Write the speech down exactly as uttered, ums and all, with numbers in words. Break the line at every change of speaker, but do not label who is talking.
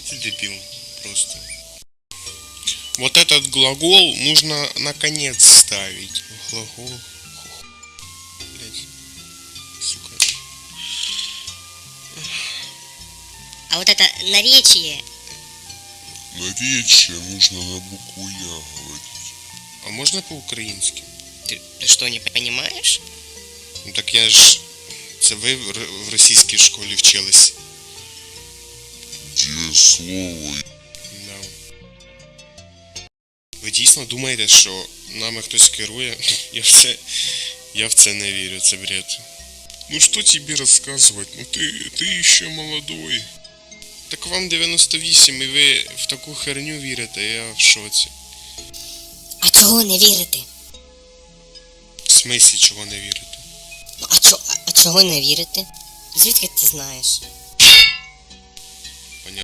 Ты дебил просто. Вот этот глагол нужно на конец ставить. Глагол. Блять. Сука.
А вот это наречие.
Наречие нужно на букву Я говорить.
А можно по-українськи?
Ты, ты что, не понимаешь?
Ну так я ж... Це ви в р- в російській школі вчились.
Где слово
Да. Ви дійсно думаєте, що нами хтось керує? Я в це... Я в це не вірю, це бред.
Ну что тебе рассказывать? Ну ты, ты еще молодой.
Так вам дев'яносто вісім і ви в таку херню вірите, я в шоці.
А чого не вірити?
В смислі чого не вірите?
Ну, а, чо, а, а чого не вірити? Звідки ти знаєш?